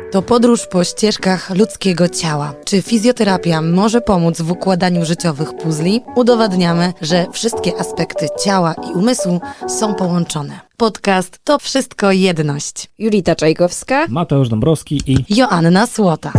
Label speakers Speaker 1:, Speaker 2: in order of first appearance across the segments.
Speaker 1: To podróż po ścieżkach ludzkiego ciała. Czy fizjoterapia może pomóc w układaniu życiowych puzli? Udowadniamy, że wszystkie aspekty ciała i umysłu są połączone. Podcast To Wszystko Jedność.
Speaker 2: Julita Czajkowska.
Speaker 3: Mateusz Dąbrowski i
Speaker 1: Joanna Słota.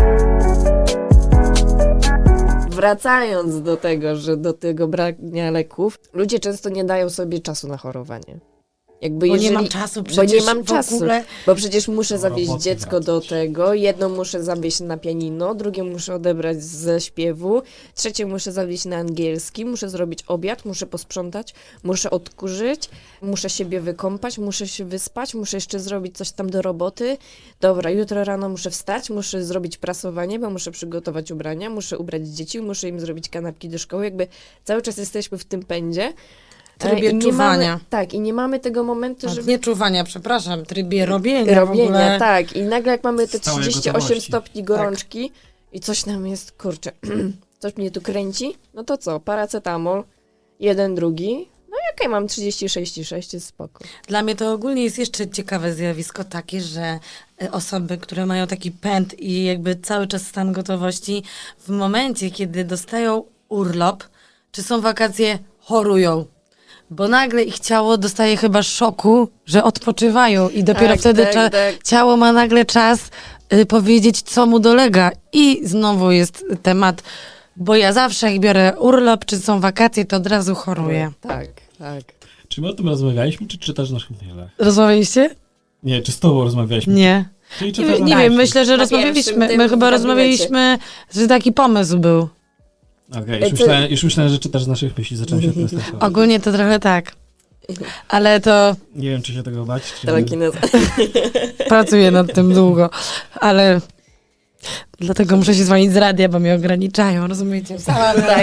Speaker 2: Wracając do tego, że do tego brania leków, ludzie często nie dają sobie czasu na chorowanie. Jakby
Speaker 1: Bo nie mam czasu
Speaker 2: Bo
Speaker 1: przecież
Speaker 2: nie mam
Speaker 1: w
Speaker 2: czasu,
Speaker 1: ogóle.
Speaker 2: bo przecież muszę zawieźć
Speaker 3: roboty
Speaker 2: dziecko do
Speaker 3: wracać.
Speaker 2: tego, jedno muszę zawieźć na pianino, drugie muszę odebrać ze śpiewu, trzecie muszę zawieźć na angielski, muszę zrobić obiad, muszę posprzątać, muszę odkurzyć, muszę siebie wykąpać, muszę się wyspać, muszę jeszcze zrobić coś tam do roboty. Dobra, jutro rano muszę wstać, muszę zrobić prasowanie, bo muszę przygotować ubrania, muszę ubrać dzieci, muszę im zrobić kanapki do szkoły. Jakby cały czas jesteśmy w tym pędzie.
Speaker 1: Trybie
Speaker 2: I nie
Speaker 1: czuwania.
Speaker 2: mamy, tak, i nie mamy tego momentu, żeby...
Speaker 1: Nie czuwania, przepraszam, trybie robienia w
Speaker 2: Robienia,
Speaker 1: ogóle.
Speaker 2: tak. I nagle jak mamy te
Speaker 3: Stałej
Speaker 2: 38
Speaker 3: gotowości.
Speaker 2: stopni gorączki i coś nam jest, kurczę, coś mnie tu kręci, no to co, paracetamol, jeden, drugi, no i okej, mam 36,6, jest spoko.
Speaker 1: Dla mnie to ogólnie jest jeszcze ciekawe zjawisko takie, że osoby, które mają taki pęd i jakby cały czas stan gotowości, w momencie, kiedy dostają urlop, czy są wakacje, chorują. Bo nagle ich ciało dostaje chyba szoku, że odpoczywają i dopiero
Speaker 2: Tak,
Speaker 1: wtedy
Speaker 2: tak.
Speaker 1: ciało ma nagle czas powiedzieć, co mu dolega. I znowu jest temat, bo ja zawsze jak biorę urlop, czy są wakacje, to od razu choruję.
Speaker 2: Tak, tak.
Speaker 3: czy my o tym rozmawialiśmy, czy czytasz w naszych mailach?
Speaker 1: Rozmawialiście?
Speaker 3: Nie, czy z tobą rozmawialiśmy?
Speaker 1: Nie.
Speaker 3: Czyli
Speaker 1: Nie,
Speaker 3: czytasz
Speaker 1: nie
Speaker 3: na
Speaker 1: wiem,
Speaker 3: naszych?
Speaker 1: myślę, że
Speaker 2: Na
Speaker 1: rozmawialiśmy.
Speaker 2: pierwszym
Speaker 1: My
Speaker 2: tym
Speaker 1: chyba
Speaker 2: w gabinecie.
Speaker 1: rozmawialiśmy, że taki pomysł był.
Speaker 3: Okej, już myślałem, że czytasz z naszych myśli, zacząłem się tym stresować.
Speaker 1: Ogólnie to trochę tak. Ale to
Speaker 3: Nie wiem, czy się tego bać, czy...
Speaker 2: Telekineza.
Speaker 1: pracuję nad tym długo. Ale dlatego muszę się dzwonić z radia, bo mnie ograniczają, rozumiecie?
Speaker 2: Tak.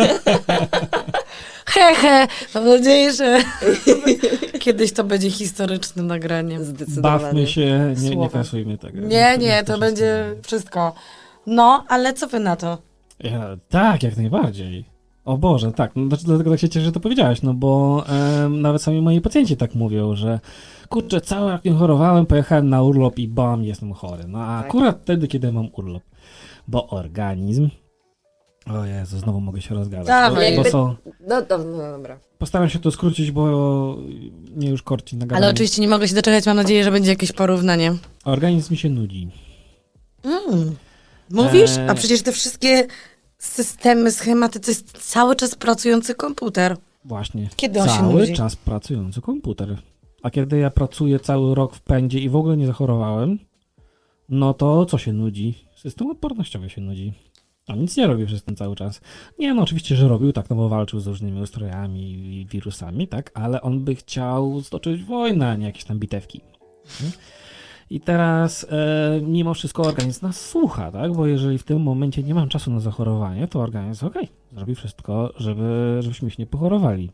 Speaker 1: He. Mam nadzieję, że kiedyś to będzie historycznym nagraniem.
Speaker 2: Zdecydowanie.
Speaker 3: Bawmy się, nie
Speaker 1: Słowa.
Speaker 3: kasujmy tego.
Speaker 1: Nie, to będzie wszystko. No, ale co wy na to?
Speaker 3: Tak, jak najbardziej. O Boże, tak. No, dlatego tak się cieszę, że to powiedziałaś, no bo nawet sami moi pacjenci tak mówią, że kurczę, cały jak nie chorowałem, pojechałem na urlop i bam, jestem chory. No a
Speaker 2: Tak.
Speaker 3: akurat wtedy, kiedy mam urlop. Bo organizm... O Jezu, znowu mogę się rozgadać.
Speaker 1: Dawaj.
Speaker 3: Bo są...
Speaker 2: No dobra.
Speaker 3: Postaram się to skrócić, bo mnie już korci na gadanie.
Speaker 1: Ale oczywiście nie mogę się doczekać, mam nadzieję, że będzie jakieś porównanie.
Speaker 3: Organizm mi się nudzi.
Speaker 1: Mówisz? A przecież te wszystkie systemy, schematy, to jest cały czas pracujący komputer.
Speaker 3: Właśnie.
Speaker 1: Kiedy on się
Speaker 3: Cały
Speaker 1: nudzi?
Speaker 3: czas pracujący komputer. A kiedy ja pracuję cały rok w pędzie i w ogóle nie zachorowałem, no to co się nudzi? System odpornościowy się nudzi. On nic nie robi przez ten cały czas. Nie, no oczywiście, że robił tak, no bo walczył z różnymi ustrojami i wirusami, tak? Ale on by chciał stoczyć wojnę, a nie jakieś tam bitewki. I teraz mimo wszystko organizm nas słucha, tak? Bo jeżeli w tym momencie nie mam czasu na zachorowanie, to organizm zrobi wszystko, żebyśmy się nie pochorowali.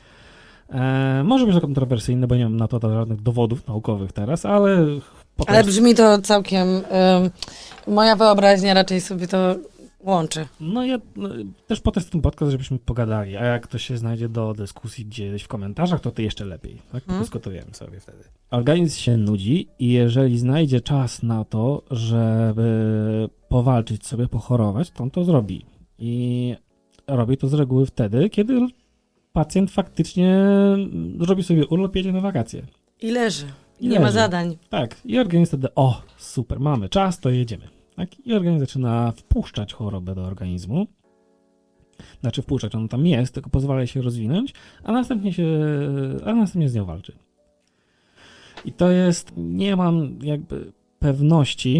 Speaker 3: Może być to kontrowersyjne, bo nie mam na to żadnych dowodów naukowych teraz, ale...
Speaker 1: Ale brzmi to całkiem... moja wyobraźnia raczej sobie to łączy.
Speaker 3: No ja też po ten podcast, żebyśmy pogadali, a jak ktoś się znajdzie do dyskusji gdzieś w komentarzach, to jeszcze lepiej, tak? Dyskutujemy sobie wtedy. Organizm się nudzi i jeżeli znajdzie czas na to, żeby powalczyć sobie, pochorować, to on to zrobi. I robi to z reguły wtedy, kiedy pacjent faktycznie zrobi sobie urlop, jedzie na wakacje.
Speaker 1: I leży.
Speaker 3: I
Speaker 1: Nie ma
Speaker 3: leży.
Speaker 1: zadań.
Speaker 3: Tak, i organizm wtedy, super, mamy czas, to jedziemy. Tak? I organizm zaczyna wpuszczać chorobę do organizmu. Znaczy wpuszczać, on tam jest, tylko pozwala jej się rozwinąć, a następnie z nią walczy. I to jest, nie mam jakby pewności,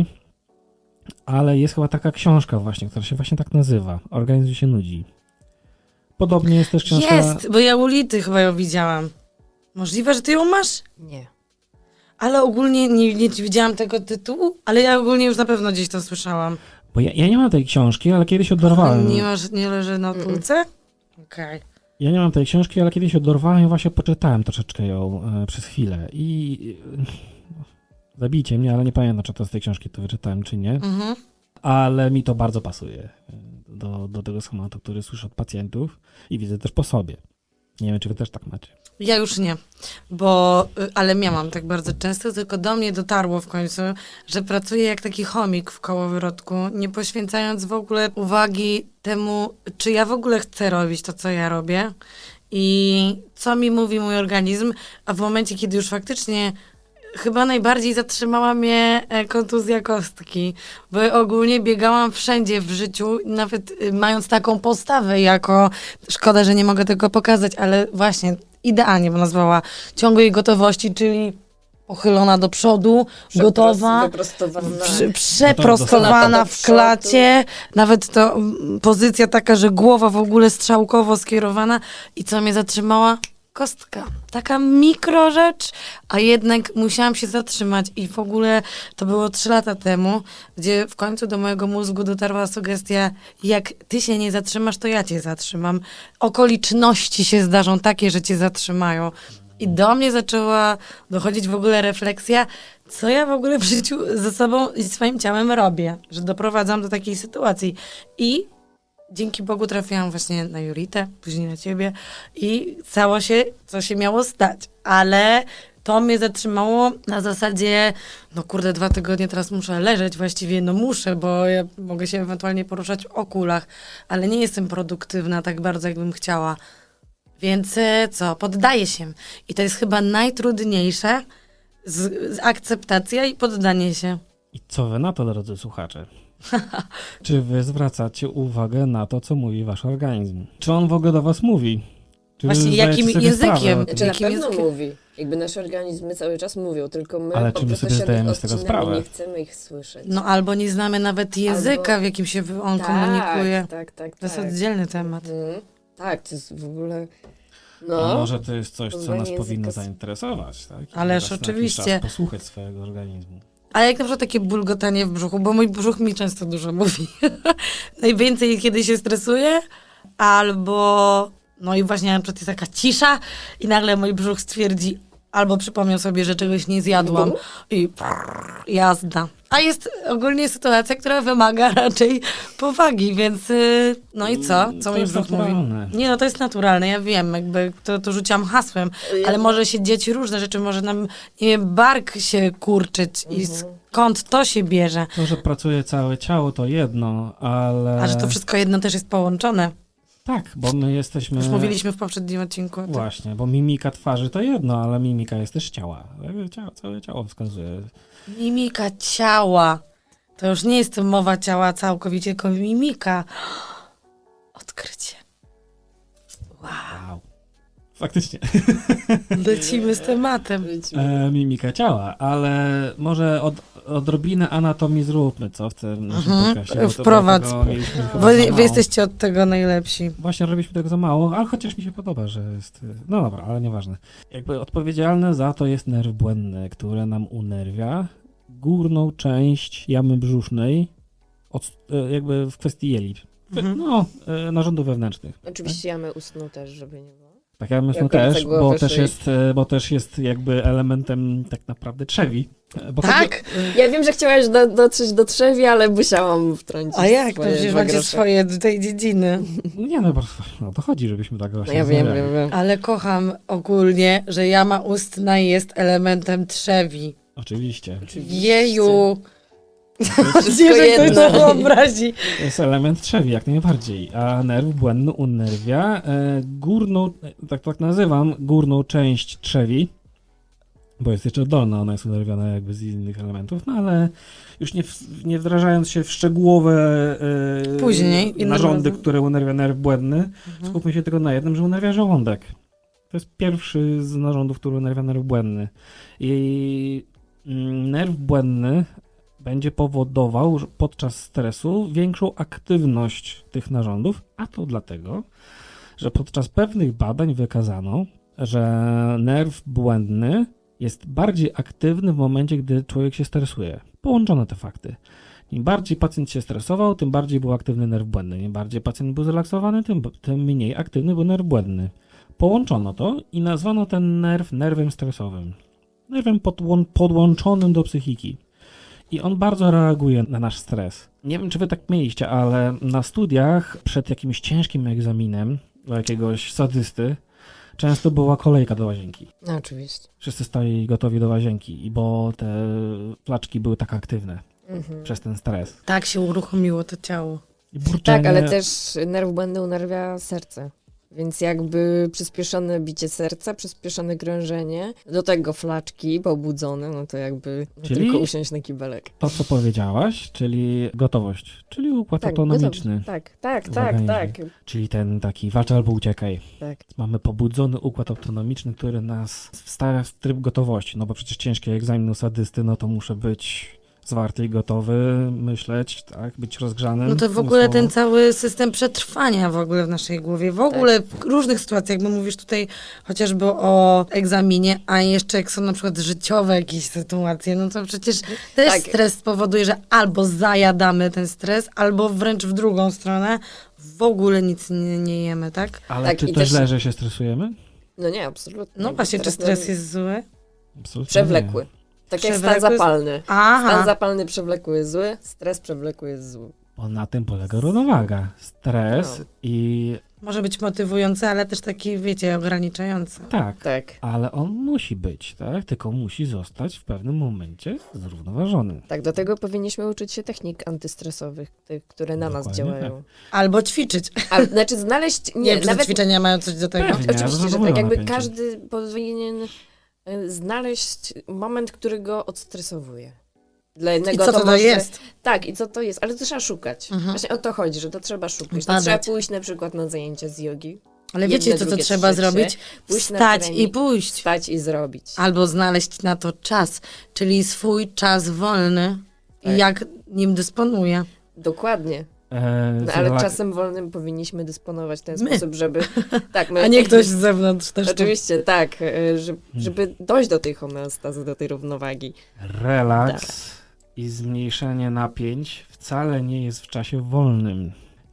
Speaker 3: ale jest chyba taka książka właśnie, która się właśnie tak nazywa. Organizm się nudzi. Podobnie jest też książka...
Speaker 1: Jest, bo ja u Lity chyba ją widziałam. Możliwe, że ty ją masz?
Speaker 2: Nie.
Speaker 1: Ale ogólnie nie widziałam tego tytułu, ale ja ogólnie już na pewno gdzieś to słyszałam.
Speaker 3: Bo ja nie mam tej książki, ale kiedyś odorwałem.
Speaker 1: Nie leży na półce? Okej.
Speaker 3: Ja nie mam tej książki, ale kiedyś odorwałem i właśnie poczytałem troszeczkę ją przez chwilę. I zabijcie mnie, ale nie pamiętam, czy to z tej książki to wyczytałem, czy nie.
Speaker 1: Mhm.
Speaker 3: Ale mi to bardzo pasuje do tego schematu, który słyszę od pacjentów i widzę też po sobie. Nie wiem, czy wy też tak macie.
Speaker 1: Ja już nie, ale miałam tak bardzo często, tylko do mnie dotarło w końcu, że pracuję jak taki chomik w kołowrotku, nie poświęcając w ogóle uwagi temu, czy ja w ogóle chcę robić to, co ja robię i co mi mówi mój organizm, a w momencie, kiedy już faktycznie chyba najbardziej zatrzymała mnie kontuzja kostki, bo ogólnie biegałam wszędzie w życiu, nawet mając taką postawę szkoda, że nie mogę tego pokazać, ale właśnie idealnie bym nazwała ciągłej gotowości, czyli pochylona do przodu, gotowa,
Speaker 2: Wyprostowana.
Speaker 1: przeprostowana w klacie, nawet to pozycja taka, że głowa w ogóle strzałkowo skierowana i co mnie zatrzymała? Kostka. Taka mikro rzecz, a jednak musiałam się zatrzymać i w ogóle to było 3 lata temu, gdzie w końcu do mojego mózgu dotarła sugestia, jak ty się nie zatrzymasz, to ja cię zatrzymam. Okoliczności się zdarzą takie, że cię zatrzymają. I do mnie zaczęła dochodzić w ogóle refleksja, co ja w ogóle w życiu ze sobą i swoim ciałem robię, że doprowadzam do takiej sytuacji. I dzięki Bogu trafiłam właśnie na Julitę, później na ciebie i stało się, co się miało stać. Ale to mnie zatrzymało na zasadzie, 2 tygodnie teraz muszę leżeć, właściwie muszę, bo ja mogę się ewentualnie poruszać w kulach, ale nie jestem produktywna tak bardzo, jakbym chciała. Więc poddaję się. I to jest chyba najtrudniejsze, akceptacja i poddanie się.
Speaker 3: I co wy na to, drodzy słuchacze? Czy wy zwracacie uwagę na to, co mówi wasz organizm? Czy on w ogóle do was mówi? Czy wy
Speaker 1: Właśnie
Speaker 3: zdajecie
Speaker 1: jakim
Speaker 3: sobie
Speaker 1: językiem?
Speaker 3: sprawę o tym?
Speaker 2: Czy na
Speaker 1: Jakim
Speaker 2: pewno
Speaker 1: językiem?
Speaker 2: mówi? Jakby nasze organizmy cały czas mówią, tylko my
Speaker 3: Ale
Speaker 2: po
Speaker 3: czy my
Speaker 2: prostu
Speaker 3: sobie
Speaker 2: się
Speaker 3: zdajemy z tego
Speaker 2: odcinamy,
Speaker 3: sprawę?
Speaker 2: nie chcemy ich słyszeć.
Speaker 1: Albo nie znamy nawet języka,
Speaker 2: Albo-
Speaker 1: w jakim się on komunikuje.
Speaker 2: Tak.
Speaker 1: To jest oddzielny temat.
Speaker 2: Tak, to jest w ogóle...
Speaker 3: A może to jest coś, co
Speaker 2: poznanie
Speaker 3: nas
Speaker 2: języka
Speaker 3: powinno
Speaker 2: s-
Speaker 3: zainteresować, tak? I
Speaker 1: Ależ
Speaker 3: raz na jakiś
Speaker 1: oczywiście.
Speaker 3: czas posłuchać swojego organizmu.
Speaker 1: Ale jak na przykład takie bulgotanie w brzuchu, bo mój brzuch mi często dużo mówi. Najwięcej, kiedy się stresuję, albo... i właśnie na przykład jest taka cisza i nagle mój brzuch stwierdzi, albo przypomniał sobie, że czegoś nie zjadłam i jazda. A jest ogólnie sytuacja, która wymaga raczej powagi, więc i co? Co
Speaker 3: To
Speaker 1: mój
Speaker 3: jest
Speaker 1: brzuch mówi?
Speaker 3: naturalne.
Speaker 1: Nie, to jest naturalne, ja wiem, jakby to rzuciłam hasłem, ale może się dziać różne rzeczy, może nam, nie wiem, bark się kurczyć i skąd to się bierze.
Speaker 3: To, że pracuje całe ciało, to jedno, ale...
Speaker 1: A że to wszystko jedno też jest połączone.
Speaker 3: Tak, bo my jesteśmy...
Speaker 1: Już mówiliśmy w poprzednim odcinku. Tak.
Speaker 3: Właśnie, bo mimika twarzy to jedno, ale mimika jest też ciała. Całe ciało wskazuje.
Speaker 1: Mimika ciała. To już nie jest mowa ciała całkowicie, tylko mimika. Odkrycie.
Speaker 3: Wow. Faktycznie.
Speaker 1: Lecimy z tematem.
Speaker 3: Mimika ciała, ale może odrobinę anatomii zróbmy, co w tym naszym podcastie. bo
Speaker 1: Wprowadź.
Speaker 3: tego mieliśmy chyba
Speaker 1: Bo
Speaker 3: za
Speaker 1: wy
Speaker 3: mało.
Speaker 1: jesteście od tego najlepsi.
Speaker 3: Właśnie robiliśmy tego za mało, ale chociaż mi się podoba, że jest... No dobra, ale nieważne. Jakby odpowiedzialne za to jest nerw błędny, który nam unerwia górną część jamy brzusznej, jakby w kwestii jelit. Narządów wewnętrznych.
Speaker 2: Oczywiście jamy ustną też, żeby nie było.
Speaker 3: Tak, ja myślę
Speaker 2: Jak
Speaker 3: też,
Speaker 2: końca głowy,
Speaker 3: bo też jest jakby elementem tak naprawdę trzewi. Bo
Speaker 1: Tak?
Speaker 2: Ja wiem, że chciałaś dotrzeć do trzewi, ale musiałam wtrącić
Speaker 1: A jak? To
Speaker 2: swoje
Speaker 1: przecież
Speaker 2: dwa
Speaker 1: macie
Speaker 2: grosze.
Speaker 1: swoje do tej dziedziny.
Speaker 3: Nie, no to chodzi, żebyśmy tak właśnie
Speaker 2: No ja wiem.
Speaker 3: rozmawiali.
Speaker 1: Ale kocham ogólnie, że jama ustna jest elementem trzewi.
Speaker 3: Oczywiście.
Speaker 1: Jeju.
Speaker 2: Wszystko
Speaker 1: Że ktoś to
Speaker 2: jedno.
Speaker 1: wyobrazi.
Speaker 3: To jest element trzewi, jak najbardziej. A nerw błędny unerwia górną, tak nazywam, górną część trzewi, bo jest jeszcze dolna, ona jest unerwiona jakby z innych elementów, no ale już nie wdrażając się w szczegółowe
Speaker 1: Później, innym
Speaker 3: narządy,
Speaker 1: razem.
Speaker 3: które unerwia nerw błędny, skupmy się tylko na jednym, że unerwia żołądek. To jest pierwszy z narządów, który unerwia nerw błędny. I nerw błędny będzie powodował podczas stresu większą aktywność tych narządów, a to dlatego, że podczas pewnych badań wykazano, że nerw błędny jest bardziej aktywny w momencie, gdy człowiek się stresuje. Połączone te fakty. Im bardziej pacjent się stresował, tym bardziej był aktywny nerw błędny. Im bardziej pacjent był zrelaksowany, tym mniej aktywny był nerw błędny. Połączono to i nazwano ten nerw nerwem stresowym. Nerwem podłączonym do psychiki. I on bardzo reaguje na nasz stres. Nie wiem, czy wy tak mieliście, ale na studiach przed jakimś ciężkim egzaminem do jakiegoś sadysty, często była kolejka do łazienki.
Speaker 2: No, oczywiście.
Speaker 3: Wszyscy stali gotowi do łazienki, bo te flaczki były tak aktywne przez ten stres.
Speaker 1: Tak się uruchomiło to ciało.
Speaker 3: I burczenie,
Speaker 2: Tak, ale też nerw błędny unerwia serce. Więc jakby przyspieszone bicie serca, przyspieszone krążenie, do tego flaczki pobudzone, no to jakby
Speaker 3: Czyli?
Speaker 2: tylko usiąść na kibelek.
Speaker 3: To, co powiedziałaś, czyli gotowość, czyli układ autonomiczny,
Speaker 2: Tak,
Speaker 3: organizmie. czyli ten taki walcz albo uciekaj.
Speaker 2: tak.
Speaker 3: Mamy pobudzony układ autonomiczny, który nas wstawia w tryb gotowości, no bo przecież ciężki egzamin u sadysty, no to muszę być zwarty i gotowy, myśleć, tak, być rozgrzanym.
Speaker 1: No to w ogóle
Speaker 3: umysłowo.
Speaker 1: ten cały system przetrwania w ogóle w naszej głowie, w ogóle w różnych sytuacjach, bo mówisz tutaj chociażby o egzaminie, a jeszcze jak są na przykład życiowe jakieś sytuacje, no to przecież też
Speaker 2: Tak.
Speaker 1: stres spowoduje, że albo zajadamy ten stres, albo wręcz w drugą stronę w ogóle nic nie jemy, tak?
Speaker 3: Ale
Speaker 2: Tak,
Speaker 3: czy
Speaker 2: i
Speaker 3: to
Speaker 2: też-
Speaker 3: źle, że się stresujemy?
Speaker 2: No nie, absolutnie.
Speaker 1: No właśnie, czy
Speaker 2: Teraz
Speaker 1: stres jest zły?
Speaker 3: Absolutnie
Speaker 2: przewlekły. Tak jak stan
Speaker 1: Przewlekły-
Speaker 2: zapalny. Stan
Speaker 1: Aha,
Speaker 2: zapalny przewlekły jest zły, stres przewlekły jest zły.
Speaker 3: Bo na tym polega równowaga. Stres
Speaker 2: No.
Speaker 3: i
Speaker 1: może być motywujący, ale też taki, wiecie, ograniczający.
Speaker 3: tak,
Speaker 2: Tak.
Speaker 3: ale on musi być, tak? Tylko musi zostać w pewnym momencie zrównoważony.
Speaker 2: Tak, do tego powinniśmy uczyć się technik antystresowych, tych, które na nas
Speaker 3: Dokładnie
Speaker 2: działają.
Speaker 1: Albo ćwiczyć.
Speaker 2: A, znaczy znaleźć,
Speaker 1: Nie,
Speaker 2: nie,
Speaker 1: wiem, czy te
Speaker 2: nawet
Speaker 1: ćwiczenia mają coś do tego.
Speaker 3: Pewnie.
Speaker 2: oczywiście, że
Speaker 3: zrozumiałe
Speaker 2: tak, jakby
Speaker 3: napięcie.
Speaker 2: każdy powinien znaleźć moment, który go odstresowuje. Dla
Speaker 1: I
Speaker 2: jednego
Speaker 1: co to
Speaker 2: może...
Speaker 1: jest?
Speaker 2: Tak, i co to jest, ale to trzeba szukać.
Speaker 1: Mhm.
Speaker 2: Właśnie o to chodzi, że to trzeba szukać. To
Speaker 1: Badać.
Speaker 2: trzeba pójść na przykład na zajęcia z jogi,
Speaker 1: Ale
Speaker 2: jedno,
Speaker 1: wiecie, co
Speaker 2: drugie,
Speaker 1: trzeba
Speaker 2: trzecie,
Speaker 1: zrobić?
Speaker 2: pójść na
Speaker 1: Wstać
Speaker 2: trening,
Speaker 1: i pójść.
Speaker 2: wstać i zrobić.
Speaker 1: Albo znaleźć na to czas, czyli swój czas wolny
Speaker 2: Tak.
Speaker 1: i jak nim dysponuję.
Speaker 2: Dokładnie. No,
Speaker 3: Z
Speaker 2: ale
Speaker 3: relak-
Speaker 2: czasem wolnym powinniśmy dysponować w ten
Speaker 1: My.
Speaker 2: sposób, żeby... Tak, my
Speaker 1: A nie ktoś z zewnątrz też.
Speaker 2: Oczywiście, tak, żeby dojść do tej homeostazy, do tej równowagi.
Speaker 3: Relaks i zmniejszenie napięć wcale nie jest w czasie wolnym.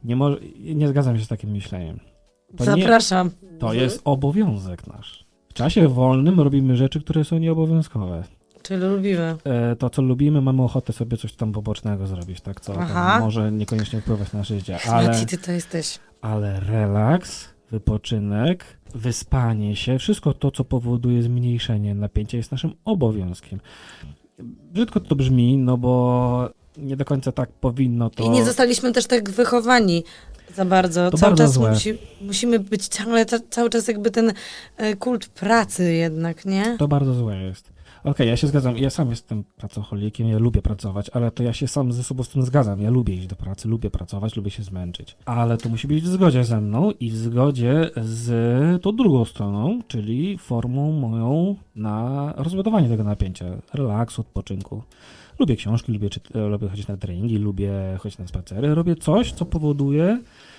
Speaker 3: Nie zgadzam się z takim myśleniem.
Speaker 1: Zapraszam.
Speaker 3: To jest obowiązek nasz. W czasie wolnym robimy rzeczy, które są nieobowiązkowe.
Speaker 1: Czyli lubimy.
Speaker 3: To, co lubimy, mamy ochotę sobie coś tam pobocznego zrobić, tak? Co
Speaker 1: Aha.
Speaker 3: tam może niekoniecznie wpływać na nasze życie.
Speaker 1: Jaki ty to jesteś?
Speaker 3: Ale relaks, wypoczynek, wyspanie się, wszystko to, co powoduje zmniejszenie napięcia, jest naszym obowiązkiem. Brzydko to brzmi, no bo nie do końca tak powinno to...
Speaker 1: I nie zostaliśmy też tak wychowani za bardzo.
Speaker 3: To
Speaker 1: Cały
Speaker 3: bardzo
Speaker 1: czas
Speaker 3: złe.
Speaker 1: musimy być cały czas jakby ten kult pracy jednak, nie?
Speaker 3: To bardzo złe jest. Okej, ja się zgadzam. Ja sam jestem pracocholikiem, ja lubię pracować, ale to ja się sam ze sobą z tym zgadzam. Ja lubię iść do pracy, lubię pracować, lubię się zmęczyć. Ale to musi być w zgodzie ze mną i w zgodzie z tą drugą stroną, czyli formą moją na rozładowanie tego napięcia, relaksu, odpoczynku. Lubię książki, lubię chodzić na treningi, lubię chodzić na spacery. Robię coś, co powoduje,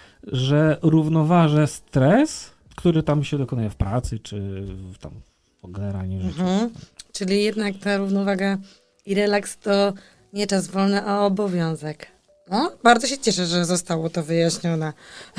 Speaker 3: że równoważę stres, który tam się dokonuje w pracy, czy tam generalnie w życiu.
Speaker 1: Mhm. Czyli jednak ta równowaga i relaks to nie czas wolny, a obowiązek. No, bardzo się cieszę, że zostało to wyjaśnione.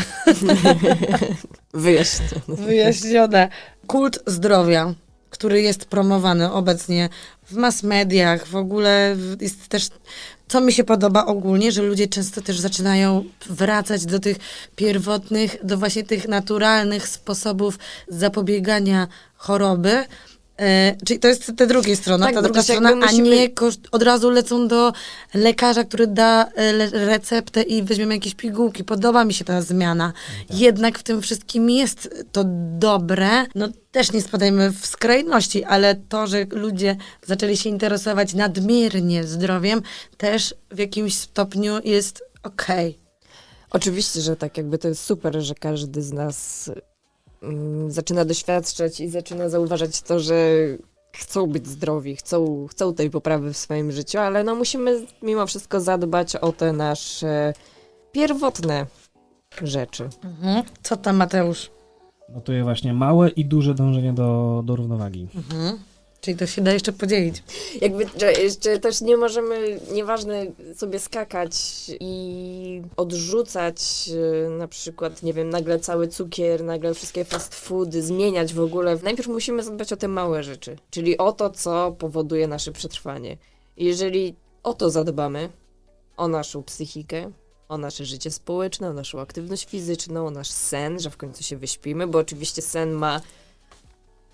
Speaker 1: Wyjaśnione. Kult zdrowia, który jest promowany obecnie w mass mediach, w ogóle jest też, co mi się podoba ogólnie, że ludzie często też zaczynają wracać do tych pierwotnych, do właśnie tych naturalnych sposobów zapobiegania choroby. Czyli to jest ta druga strona,
Speaker 2: Tak,
Speaker 1: ta
Speaker 2: bo
Speaker 1: druga
Speaker 2: też jakby
Speaker 1: strona, a
Speaker 2: musimy-
Speaker 1: nie od razu lecą do lekarza, który da receptę i weźmiemy jakieś pigułki. Podoba mi się ta zmiana. Jednak w tym wszystkim jest to dobre. No też nie spadajmy w skrajności, ale to, że ludzie zaczęli się interesować nadmiernie zdrowiem, też w jakimś stopniu jest okej.
Speaker 2: Oczywiście, że tak, jakby to jest super, że każdy z nas zaczyna doświadczać i zaczyna zauważać to, że chcą być zdrowi, chcą tej poprawy w swoim życiu, ale no musimy mimo wszystko zadbać o te nasze pierwotne rzeczy.
Speaker 1: Mhm. Co tam, Mateusz?
Speaker 3: Notuję właśnie małe i duże dążenie do równowagi.
Speaker 1: Mhm. Czyli to się da jeszcze podzielić.
Speaker 2: Jakby, że jeszcze też nie możemy, nieważne, sobie skakać i odrzucać na przykład, nie wiem, nagle cały cukier, nagle wszystkie fast foody, zmieniać w ogóle. Najpierw musimy zadbać o te małe rzeczy, czyli o to, co powoduje nasze przetrwanie. I jeżeli o to zadbamy, o naszą psychikę, o nasze życie społeczne, o naszą aktywność fizyczną, o nasz sen, że w końcu się wyśpimy, bo oczywiście sen ma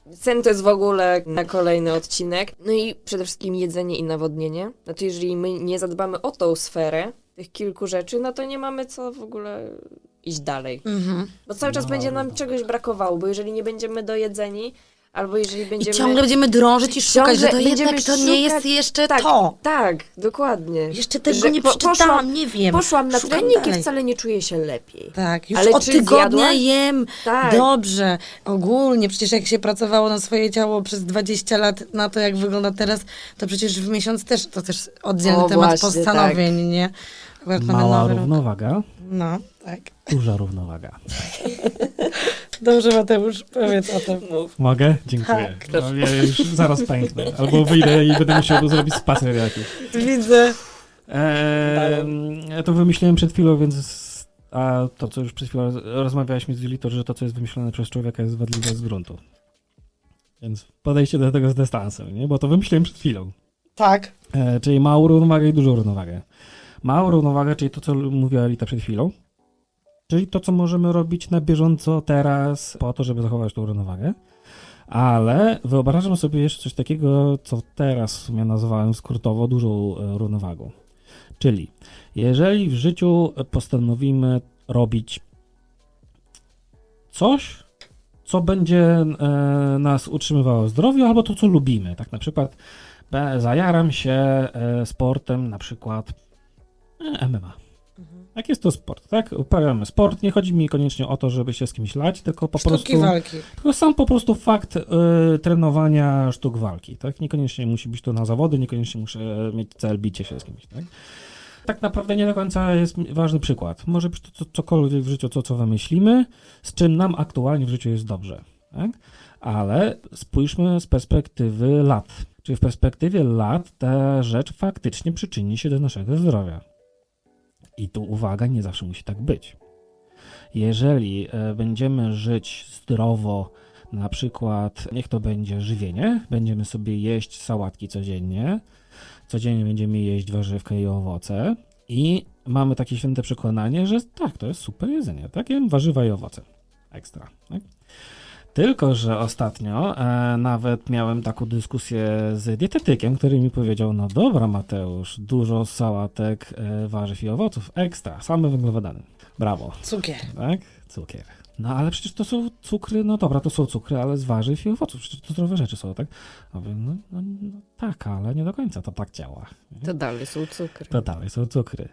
Speaker 2: Sen to jest w ogóle na kolejny odcinek. No i przede wszystkim jedzenie i nawodnienie. No to jeżeli my nie zadbamy o tą sferę tych kilku rzeczy, no to nie mamy co w ogóle iść dalej. Bo cały czas będzie nam czegoś brakowało, bo jeżeli nie będziemy dojedzeni, albo jeżeli
Speaker 1: I
Speaker 2: będziemy...
Speaker 1: ciągle będziemy drążyć i szukać, że to
Speaker 2: Ciągle
Speaker 1: jednak
Speaker 2: będziemy
Speaker 1: to nie jest
Speaker 2: szukać-
Speaker 1: jeszcze
Speaker 2: tak,
Speaker 1: to.
Speaker 2: Tak, dokładnie.
Speaker 1: Jeszcze tego
Speaker 2: Że
Speaker 1: nie
Speaker 2: po-
Speaker 1: przeczytałam, nie wiem.
Speaker 2: Poszłam na
Speaker 1: Szukam
Speaker 2: trening
Speaker 1: dalej.
Speaker 2: i wcale nie czuję się lepiej.
Speaker 1: Tak, już
Speaker 2: Ale
Speaker 1: od
Speaker 2: czy
Speaker 1: tygodnia
Speaker 2: zjadłaś?
Speaker 1: jem
Speaker 2: Tak.
Speaker 1: dobrze. Ogólnie, przecież jak się pracowało na swoje ciało przez 20 lat na to, jak wygląda teraz, to przecież w miesiąc też, to też oddzielny
Speaker 2: O,
Speaker 1: temat
Speaker 2: właśnie,
Speaker 1: postanowień, nie? Akurat mamy
Speaker 3: Mała
Speaker 1: nowy rok.
Speaker 3: równowaga,
Speaker 1: No, tak.
Speaker 3: duża równowaga.
Speaker 1: Dobrze, Mateusz, powiedz o tym.
Speaker 3: Mogę? Dziękuję.
Speaker 1: Tak.
Speaker 3: No, ja już zaraz pęknę. Albo wyjdę i będę musiał zrobić spacer jakiś.
Speaker 1: Widzę.
Speaker 3: Ja to wymyśliłem przed chwilą, więc... A to, co już przed chwilą rozmawialiśmy z Julitą, że to, co jest wymyślone przez człowieka, jest wadliwe z gruntu. Więc podejście do tego z dystansem, nie? Bo to wymyśliłem przed chwilą.
Speaker 1: Tak.
Speaker 3: Czyli małą równowagę i dużą równowagę. Małą równowagę, czyli to, co mówiła Lita przed chwilą. Czyli to, co możemy robić na bieżąco teraz po to, żeby zachować tą równowagę. Ale wyobrażam sobie jeszcze coś takiego, co teraz w sumie nazwałem skrótowo dużą równowagą. Czyli jeżeli w życiu postanowimy robić coś, co będzie nas utrzymywało w zdrowiu, albo to, co lubimy. Tak na przykład zajaram się sportem, na przykład MMA. Jak jest to sport, tak? Uprawiamy sport, nie chodzi mi koniecznie o to, żeby się z kimś lać, tylko po
Speaker 1: Sztuki
Speaker 3: prostu...
Speaker 1: walki.
Speaker 3: Tylko sam po prostu fakt trenowania sztuk walki, tak? Niekoniecznie musi być to na zawody, niekoniecznie muszę mieć cel bicie się z kimś, tak? Tak naprawdę nie do końca jest ważny przykład. Może być to cokolwiek w życiu, co wymyślimy, z czym nam aktualnie w życiu jest dobrze, tak? Ale spójrzmy z perspektywy lat. Czyli w perspektywie lat ta rzecz faktycznie przyczyni się do naszego zdrowia. I tu uwaga, nie zawsze musi tak być. Jeżeli będziemy żyć zdrowo, na przykład, niech to będzie żywienie, będziemy sobie jeść sałatki codziennie będziemy jeść warzywka i owoce i mamy takie święte przekonanie, że tak, to jest super jedzenie, tak, jem warzywa i owoce, ekstra, tak? Tylko że ostatnio nawet miałem taką dyskusję z dietetykiem, który mi powiedział, no dobra Mateusz, dużo sałatek, warzyw i owoców, ekstra, same węglowodany, brawo.
Speaker 1: Cukier.
Speaker 3: Tak? Cukier. No ale przecież to są cukry, no dobra, to są cukry, ale z warzyw i owoców, przecież to zdrowe rzeczy są, tak? A mówię, no tak, ale nie do końca to tak działa.
Speaker 2: To dalej są cukry.
Speaker 3: To dalej są cukry.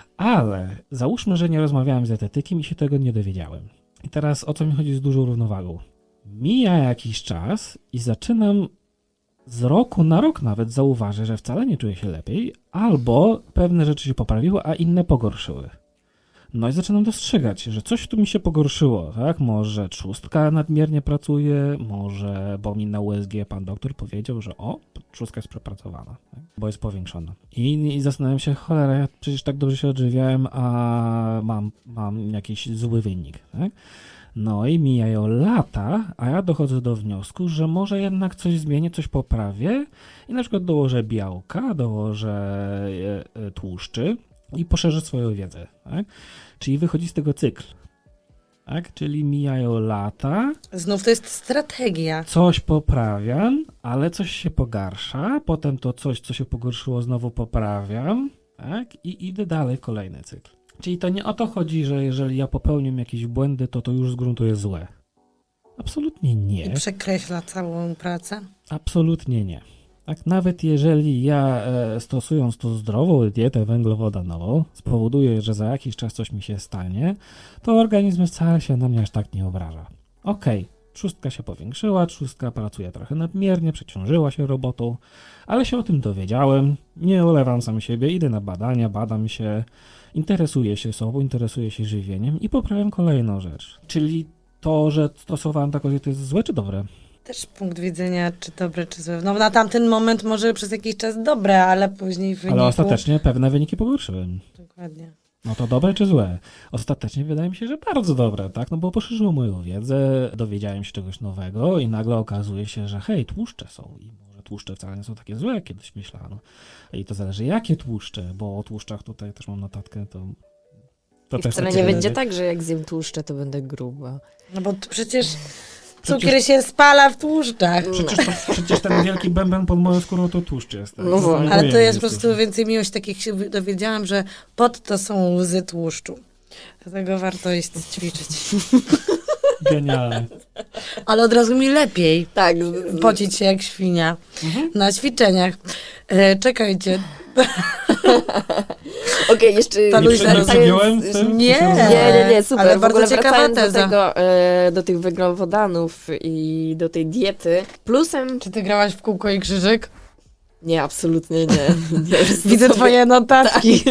Speaker 3: Ale załóżmy, że nie rozmawiałem z dietetykiem i się tego nie dowiedziałem. I teraz o co mi chodzi z dużą równowagą? Mija jakiś czas i zaczynam z roku na rok nawet zauważyć, że wcale nie czuję się lepiej, albo pewne rzeczy się poprawiły, a inne pogorszyły. No i zaczynam dostrzegać, że coś tu mi się pogorszyło, tak? Może trzustka nadmiernie pracuje, może, bo mi na USG pan doktor powiedział, że trzustka jest przepracowana, tak? Bo jest powiększona. I zastanawiam się, cholera, ja przecież tak dobrze się odżywiałem, a mam jakiś zły wynik, tak? No i mijają lata, a ja dochodzę do wniosku, że może jednak coś zmienię, coś poprawię i na przykład dołożę białka, dołożę tłuszczy i poszerzę swoją wiedzę, tak? Czyli wychodzi z tego cykl, tak? Czyli mijają lata,
Speaker 1: Znów to jest strategia.
Speaker 3: coś poprawiam, ale coś się pogarsza, potem to coś, co się pogorszyło, znowu poprawiam, tak? I idę dalej w kolejny cykl. Czyli to nie o to chodzi, że jeżeli ja popełniam jakieś błędy, to już z gruntu jest złe. Absolutnie
Speaker 1: I
Speaker 3: nie.
Speaker 1: przekreśla całą pracę.
Speaker 3: Absolutnie nie. Tak, nawet jeżeli ja stosując tą zdrową dietę węglowodanową spowoduje, że za jakiś czas coś mi się stanie, to organizm wcale się na mnie aż tak nie obraża. Okej, trzustka się powiększyła, trzustka pracuje trochę nadmiernie, przeciążyła się robotą, ale się o tym dowiedziałem, nie olewam sam siebie, idę na badania, badam się, interesuję się sobą, interesuję się żywieniem i poprawiam kolejną rzecz. Czyli to, że stosowałem taką dietę jest złe czy dobre?
Speaker 1: Też punkt widzenia, czy dobre, czy złe. No na tamten moment może przez jakiś czas dobre, ale później w wyniku...
Speaker 3: Ale ostatecznie pewne wyniki pogorszyłem.
Speaker 1: Dokładnie.
Speaker 3: No to dobre czy złe? Ostatecznie wydaje mi się, że bardzo dobre, tak? No bo poszerzyło moją wiedzę, dowiedziałem się czegoś nowego i nagle okazuje się, że hej, tłuszcze są i może tłuszcze wcale nie są takie złe, jak kiedyś myślano. I to zależy jakie tłuszcze, bo o tłuszczach tutaj też mam notatkę, to
Speaker 2: I
Speaker 3: też
Speaker 2: wcale
Speaker 3: tak
Speaker 2: nie
Speaker 3: się
Speaker 2: będzie
Speaker 3: wydaje.
Speaker 2: tak, że jak zjem tłuszcze, to będę gruba.
Speaker 1: No bo przecież Cukier się spala w tłuszczach.
Speaker 3: Przecież ten wielki bęben pod moją skórą to tłuszcz jest. Tak?
Speaker 2: No właśnie.
Speaker 1: Ale to jest po prostu więcej miłość, takich się dowiedziałam, że pod to są łzy tłuszczu. Dlatego warto iść ćwiczyć.
Speaker 3: Genialne.
Speaker 1: Ale od razu mi lepiej
Speaker 2: Tak.
Speaker 1: pocić się jak świnia na ćwiczeniach. Czekajcie.
Speaker 2: Okej, jeszcze...
Speaker 1: To
Speaker 3: Nie
Speaker 1: luźna
Speaker 3: przegiąłem z tym?
Speaker 1: Nie.
Speaker 2: Nie, super.
Speaker 1: Ale
Speaker 2: w
Speaker 1: bardzo
Speaker 2: ogóle
Speaker 1: ciekawa
Speaker 2: wracając
Speaker 1: teza.
Speaker 2: do tego, do tych węglowodanów i do tej diety, plusem...
Speaker 1: Czy ty grałaś w kółko i krzyżyk?
Speaker 2: Nie, absolutnie nie.
Speaker 1: Widzę twoje notatki.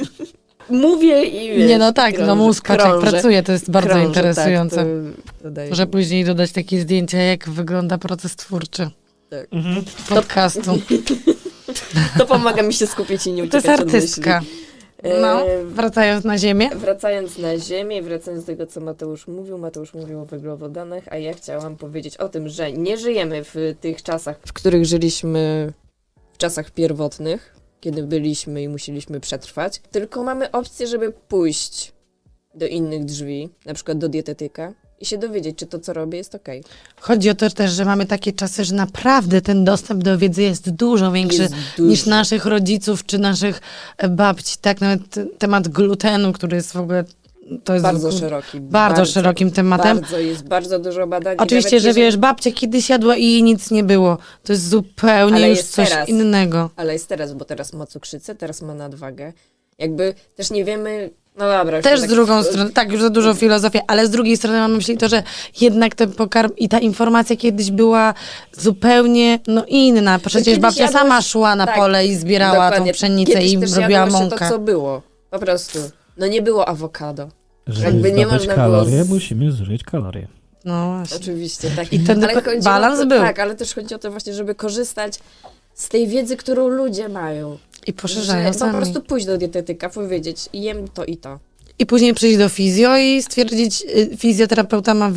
Speaker 2: Mówię i wiesz,
Speaker 1: Nie, no tak,
Speaker 2: krążę,
Speaker 1: no mózg patrz jak
Speaker 2: krążę,
Speaker 1: pracuje, to jest bardzo
Speaker 2: krążę,
Speaker 1: interesujące.
Speaker 2: Tak, to daje.
Speaker 1: Że później dodać takie zdjęcia, jak wygląda proces twórczy
Speaker 3: Mhm.
Speaker 1: podcastu.
Speaker 2: To pomaga mi się skupić i nie
Speaker 1: To jest
Speaker 2: uciekać od myśli.
Speaker 1: artystka. No, wracając na ziemię.
Speaker 2: Wracając na ziemię, wracając do tego, co Mateusz mówił o węglowodanach, a ja chciałam powiedzieć o tym, że nie żyjemy w tych czasach, w których żyliśmy w czasach pierwotnych, kiedy byliśmy i musieliśmy przetrwać, tylko mamy opcję, żeby pójść do innych drzwi, na przykład do dietetyka i się dowiedzieć, czy to, co robię, jest okej.
Speaker 1: Chodzi o to też, że mamy takie czasy, że naprawdę ten dostęp do wiedzy jest dużo większy
Speaker 2: Jest duży.
Speaker 1: niż naszych rodziców czy naszych babci. Tak, nawet temat glutenu, który jest w ogóle... To jest
Speaker 2: Bardzo szeroki.
Speaker 1: bardzo szerokim tematem.
Speaker 2: Jest bardzo dużo badań. i
Speaker 1: Oczywiście,
Speaker 2: nawet
Speaker 1: że
Speaker 2: jeżeli-
Speaker 1: wiesz, babcia kiedyś jadła i jej nic nie było. To jest zupełnie
Speaker 2: Ale
Speaker 1: już
Speaker 2: jest
Speaker 1: coś
Speaker 2: teraz.
Speaker 1: innego.
Speaker 2: Ale jest teraz, bo teraz ma cukrzycę, teraz ma nadwagę. Jakby też nie wiemy, no dobra. już
Speaker 1: Też
Speaker 2: tak
Speaker 1: z drugą stroną, tak, już za dużo filozofii, ale z drugiej strony mam na myśli to, że jednak ten pokarm i ta informacja kiedyś była zupełnie inna. Przecież
Speaker 2: kiedyś
Speaker 1: babcia
Speaker 2: jadłeś-
Speaker 1: sama szła na
Speaker 2: tak,
Speaker 1: pole i zbierała
Speaker 2: Dokładnie.
Speaker 1: tą pszenicę
Speaker 2: Kiedyś
Speaker 1: i
Speaker 2: też
Speaker 1: robiła
Speaker 2: jadło się
Speaker 1: mąkę.
Speaker 2: to, co było. Po prostu. No nie było awokado.
Speaker 3: Żeby
Speaker 2: Jakby nie
Speaker 3: zdobyć
Speaker 2: można
Speaker 3: kalorie,
Speaker 2: było
Speaker 3: musimy zużyć kalorie.
Speaker 1: No właśnie.
Speaker 2: Oczywiście, tak.
Speaker 1: I ten
Speaker 2: Ale chodzi
Speaker 1: balans
Speaker 2: o to,
Speaker 1: był.
Speaker 2: Tak, ale też chodzi o to właśnie, żeby korzystać z tej wiedzy, którą ludzie mają.
Speaker 1: I poszerzają
Speaker 2: Że po
Speaker 1: sami.
Speaker 2: prostu pójść do dietetyka, powiedzieć, jem to i to.
Speaker 1: I później przyjść do fizjo i stwierdzić, fizjoterapeuta ma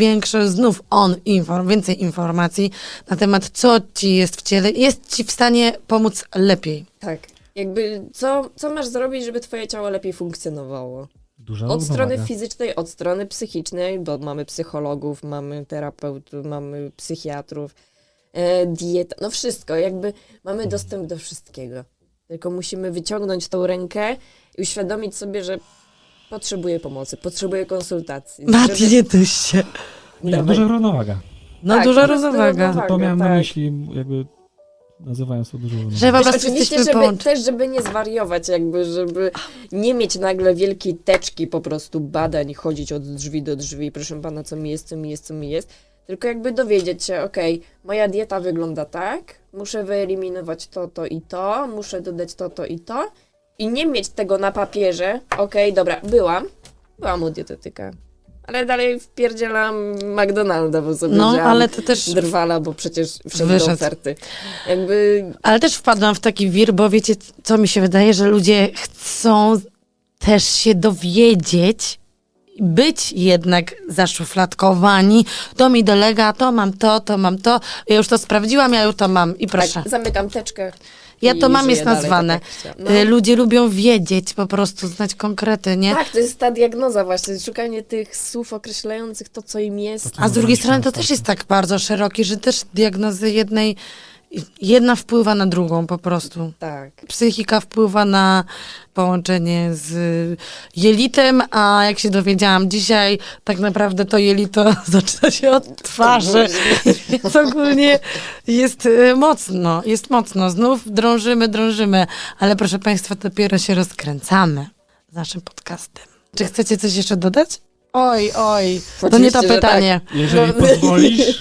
Speaker 1: więcej informacji na temat, co ci jest w ciele, jest ci w stanie pomóc lepiej.
Speaker 2: Tak. Jakby, co masz zrobić, żeby twoje ciało lepiej funkcjonowało?
Speaker 3: Duża
Speaker 2: Od strony
Speaker 3: równowaga.
Speaker 2: fizycznej, od strony psychicznej, bo mamy psychologów, mamy terapeutów, mamy psychiatrów, dieta, no wszystko, jakby mamy dostęp do wszystkiego. Tylko musimy wyciągnąć tą rękę i uświadomić sobie, że potrzebuję pomocy, potrzebuję konsultacji.
Speaker 1: Mati, nie tyś się.
Speaker 3: Nie,
Speaker 2: Dawaj.
Speaker 3: duża równowaga.
Speaker 1: No
Speaker 2: Tak,
Speaker 1: duża
Speaker 2: po prostu
Speaker 1: równowaga.
Speaker 2: równowaga.
Speaker 3: To miałem na
Speaker 2: tak.
Speaker 3: myśli, jakby nazywając to dużą równowagą.
Speaker 1: Że po
Speaker 2: Wiesz,
Speaker 1: prostu
Speaker 2: oczywiście,
Speaker 1: jesteśmy połączeni.
Speaker 2: żeby nie zwariować, jakby, żeby nie mieć nagle wielkiej teczki po prostu badań, chodzić od drzwi do drzwi, proszę pana, co mi jest, co mi jest, co mi jest, tylko jakby dowiedzieć się, okej, moja dieta wygląda tak, muszę wyeliminować to i to, muszę dodać to i to i nie mieć tego na papierze, okej, dobra, byłam u dietetyka, ale dalej wpierdzielam McDonalda, bo sobie
Speaker 1: No,
Speaker 2: wzięłam
Speaker 1: ale to też...
Speaker 2: drwala, bo przecież wszedł do
Speaker 1: Wyszedł.
Speaker 2: oferty. Jakby
Speaker 1: Ale też wpadłam w taki wir, bo wiecie, co mi się wydaje, że ludzie chcą też się dowiedzieć, być jednak zaszufladkowani. To mi dolega, to mam to mam to. Ja już to sprawdziłam, ja już to mam i proszę.
Speaker 2: tak, zamykam teczkę.
Speaker 1: Ja
Speaker 2: i
Speaker 1: to mam,
Speaker 2: żyję
Speaker 1: jest
Speaker 2: dalej,
Speaker 1: nazwane.
Speaker 2: tak jak chciałam.
Speaker 1: Ludzie lubią wiedzieć, po prostu znać konkrety, nie?
Speaker 2: Tak, to jest ta diagnoza właśnie, szukanie tych słów określających to, co im jest.
Speaker 1: A z drugiej strony to też jest tak bardzo szeroki, że też diagnozy jedna wpływa na drugą po prostu.
Speaker 2: Tak.
Speaker 1: Psychika wpływa na połączenie z jelitem, a jak się dowiedziałam dzisiaj, tak naprawdę to jelito zaczyna się od twarzy. Więc ogólnie jest mocno. Znów drążymy, ale proszę Państwa, dopiero się rozkręcamy z naszym podcastem. Czy chcecie coś jeszcze dodać? Oj, to nie to
Speaker 2: Oczywiście, że
Speaker 1: pytanie.
Speaker 3: Jeżeli pozwolisz,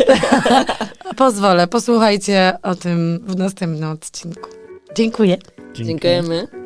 Speaker 1: Pozwolę, posłuchajcie o tym w następnym odcinku. Dziękuję.
Speaker 2: Dziękujemy.